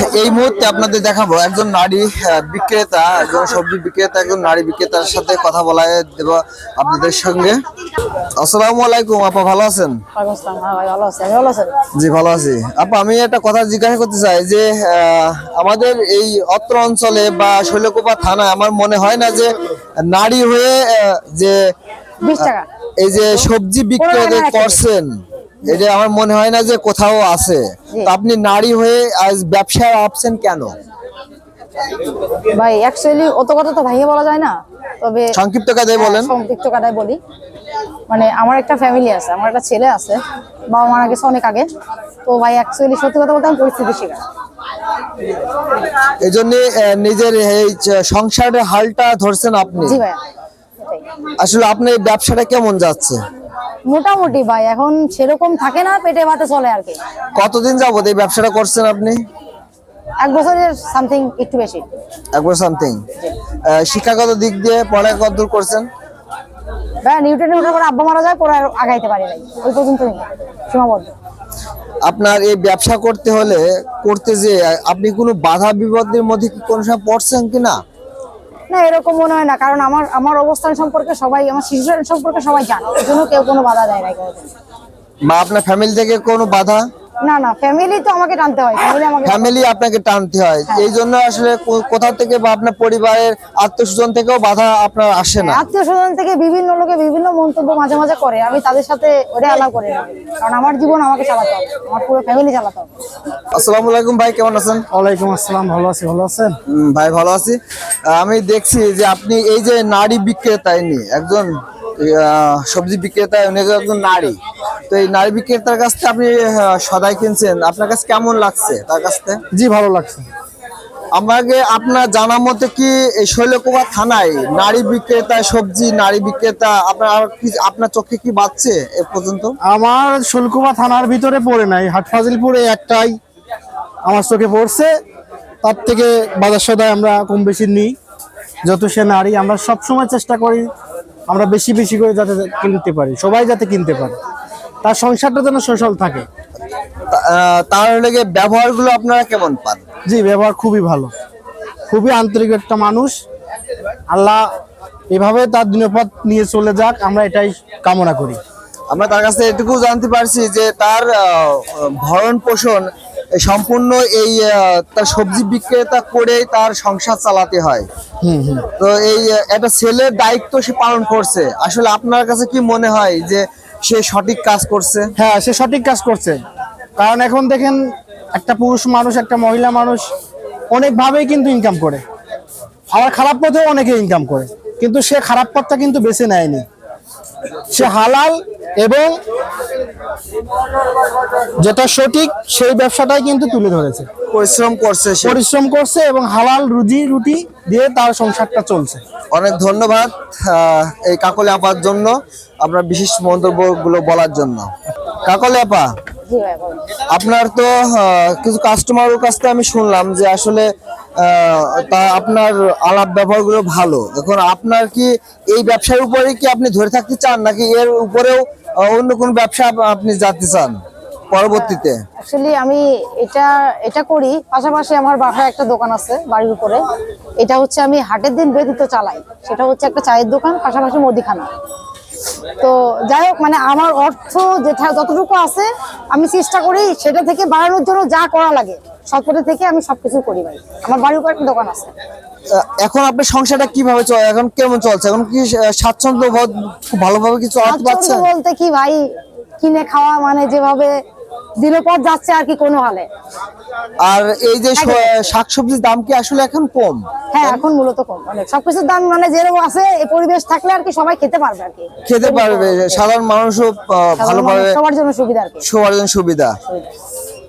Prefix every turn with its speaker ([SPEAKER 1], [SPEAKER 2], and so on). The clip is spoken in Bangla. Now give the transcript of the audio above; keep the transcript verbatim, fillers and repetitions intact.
[SPEAKER 1] এই মুহূর্তে আপনাদের দেখাবো একজন নারী বিক্রেতা, একজন সবজি বিক্রেতা, একজন নারী বিক্রেতার সাথে কথা বলায় দেব আপনাদের সঙ্গে। আসসালামু আলাইকুম আপা, ভালো আছেন? জি ভালো আছি আপা। আমি একটা কথা জিজ্ঞাসা করতে চাই যে আমাদের এই অত্র অঞ্চলে বা শৈলকুপা থানায় আমার মনে হয় না যে নারী হয়ে যে এই যে সবজি বিক্রি করছেন, এটা আমার মনে হয় না যে কোথাও আছে। তো আপনি নারী হয়ে আজ ব্যবসায় আপছেন কেন
[SPEAKER 2] ভাই? অ্যাকচুয়ালি অত কথা তো ভাইয়া বলা যায় না, তবে
[SPEAKER 1] সংক্ষিপ্ত কথায় বলেন।
[SPEAKER 2] সংক্ষিপ্ত কথায় বলি, মানে আমার একটা ফ্যামিলি আছে, আমার একটা ছেলে আছে, বাবা মারা গেছে অনেক আগে। তো ভাই অ্যাকচুয়ালি সত্যি কথা বলতে আমি পরিস্থিতি শিকার,
[SPEAKER 1] এই জন্য নিজের এই সংসারের হালটা ধরছেন আপনি।
[SPEAKER 2] জি ভাই।
[SPEAKER 1] আসলে আপনার এই ব্যবসাটা কেমন যাচ্ছে?
[SPEAKER 2] মোটামুটি ভাই, এখন সেরকম থাকে না, পেটে ভাতে চলে আর কি।
[SPEAKER 1] কতদিন যাবত এই ব্যবসাটা করছেন আপনি?
[SPEAKER 2] এক বছরের সামথিং, একটু বেশি।
[SPEAKER 1] এক বছর সামথিং। শিক্ষাগত দিক দিয়ে পড়া কত দূর করছেন?
[SPEAKER 2] ভাই নিউটনে ওঠার পর আব্বা মারা যায়, পরে আর আগাইতে পারি নাই, ওই পর্যন্তই সীমাবদ্ধ।
[SPEAKER 1] আপনার এই ব্যবসা করতে হলে করতে যে আপনি কোনো বাধা বিপদের মধ্যে কি কোনো সময় পড়ছেন কিনা?
[SPEAKER 2] না, এরকম মনে হয় না, কারণ আমার আমার অবস্থান সম্পর্কে সবাই, আমার শিশুর সম্পর্কে সবাই জানে, এই জন্য কেউ কোনো বাধা দেয় না।
[SPEAKER 1] বা আপনার ফ্যামিলি থেকে কোনো বাধা?
[SPEAKER 2] না না, ফ্যামিলি তো আমাকে টানতে হয়, ফ্যামিলি আমাকে
[SPEAKER 1] ফ্যামিলি আপনাকে টানতে হয়। এই জন্য আসলে কোথা থেকে বা আপনার পরিবারের আত্মীয়স্বজন থেকেও বাধা আপনার আসে না?
[SPEAKER 2] আত্মীয়স্বজন থেকে বিভিন্ন লোকে বিভিন্ন মন্তব্য মাঝে মাঝে করে, আমি তাদের সাথে ওটা অ্যালাউ করি না, কারণ আমার জীবন আমাকে চালাতে হবে, আমার পুরো ফ্যামিলি চালাতে হবে।
[SPEAKER 1] আসসালামু আলাইকুম ভাই, কেমন আছেন?
[SPEAKER 3] ওয়ালাইকুম আসসালাম, ভালো আছি। ভালো আছেন?
[SPEAKER 1] ভাই ভালো আছি। আমি দেখছি যে আপনি এই যে নারী বিক্রেতা, ইনি একজন সবজি বিক্রেতা, উনি একজন নারী। তো এই নারী বিক্রেতার কাছ থেকে আপনি সদাই কিনছেন, আপনার কাছে কেমন লাগছে তার কাছ থেকে?
[SPEAKER 3] জি ভালো লাগছে।
[SPEAKER 1] আমাকে আপনার জানা মতে কি এই শৈলকুপা থানায় নারী বিক্রেতা, সবজি নারী বিক্রেতা আপনার আপনার চোখে কি বাজছে এ পর্যন্ত?
[SPEAKER 3] আমার শৈলকুপা থানার ভিতরে পড়ে নাই, হাটফাজিলপুরে একটাই আমার চোখে পড়ছে। তার থেকে বাজার সদাই আমরা কম বেশি নিই, যত সে নারী। আমরা সবসময় চেষ্টা করি আমরা বেশি বেশি করে যাতে কিনতে পারি, সবাই যাতে কিনতে পারে, তার সংসারটা যেন সচল থাকে।
[SPEAKER 1] তার লেগে ব্যবহারগুলো আপনারা কেমন পান?
[SPEAKER 3] জি ব্যবহার খুবই ভালো, খুবই আন্তরিক একটা মানুষ। আল্লাহ এভাবে তার দিনপথ নিয়ে চলে যাক, আমরা এটাই কামনা করি।
[SPEAKER 1] আমরা তার কাছে এটুকু জানতে পারছি যে তার ভরণ পোষণ সম্পূর্ণ এই তার সবজি বিক্রেতা করেই তার সংসার চালাতে হয়। তো এই একটা ছেলের দায়িত্ব সে পালন করছে। আসলে আপনার কাছে কি মনে হয় যে সে সঠিক কাজ করছে?
[SPEAKER 3] হ্যাঁ, সে সঠিক কাজ করছে, কারণ এখন দেখেন একটা পুরুষ মানুষ, একটা মহিলা মানুষ অনেকভাবেই কিন্তু ইনকাম করে, আবার খারাপ পথেও অনেকে ইনকাম করে, কিন্তু সে খারাপ পথটা কিন্তু বেছে নেয়নি। সে হালাল এবং যেটা সঠিক সেই ব্যবসাটাই কিন্তু তুলে ধরেছে,
[SPEAKER 1] পরিশ্রম করছে,
[SPEAKER 3] পরিশ্রম করছে এবং হালাল রুজি রুটি দিয়ে তার সংসারটা চলছে।
[SPEAKER 1] অনেক ধন্যবাদ এই কাকলি আপার জন্য, আপনার বিশেষ মন্তব্যগুলো বলার জন্য। কাকলি আপা, আপনার তো কিছু কাস্টমারের কাছ থেকে আমি শুনলাম যে আসলে তা আপনার আলাপ ব্যবহারগুলো ভালো। এখন আপনার কি এই ব্যবসার উপরে কি আপনি ধরে থাকতে চান, নাকি এর উপরেও অন্য কোন ব্যবসা আপনি যেতে চান পরবর্তীতে?
[SPEAKER 2] অ্যাকচুয়ালি আমি এটা এটা করি, পাশাপাশি আমার বাসায় একটা দোকান আছে বাড়ির উপরে। এটা হচ্ছে আমি হাটের দিন ব্যতীত চালাই, সেটা হচ্ছে একটা চায়ের দোকান, পাশাপাশি মুদিখানা। তো যাই হোক, মানে আমার অর্থ যেটা যতটুকু আছে আমি চেষ্টা করি সেটা থেকে বাড়ানোর জন্য যা করা লাগে সবকটা থেকে আমি সবকিছু করি ভাই। আমার বাড়ির উপর একটা দোকান আছে।
[SPEAKER 1] এখন আপনার সংসারটা কিভাবে চলে, এখন কেমন চলছে? এখন কি স্বাচ্ছন্দ্য বোধ খুব ভালোভাবে কি চলাতে পারছেন?
[SPEAKER 2] বলতে কি ভাই, কিনে খাওয়া মানে যেভাবে দিনের পর যাচ্ছে আর কি, কোনো হালে।
[SPEAKER 1] আর এই যে শাকসবজির দাম কি আসলে এখন কম?
[SPEAKER 2] হ্যাঁ, এখন মূলত কম, অনেক। সবকিছুর দাম মানে যেরকম আছে, এই পরিবেশ থাকলে আর কি সবাই খেতে পারবে আর কি,
[SPEAKER 1] খেতে পারবে, সাধারণ মানুষও ভালোভাবে,
[SPEAKER 2] সবার জন্য সুবিধা আর কি,
[SPEAKER 1] সবার জন্য সুবিধা।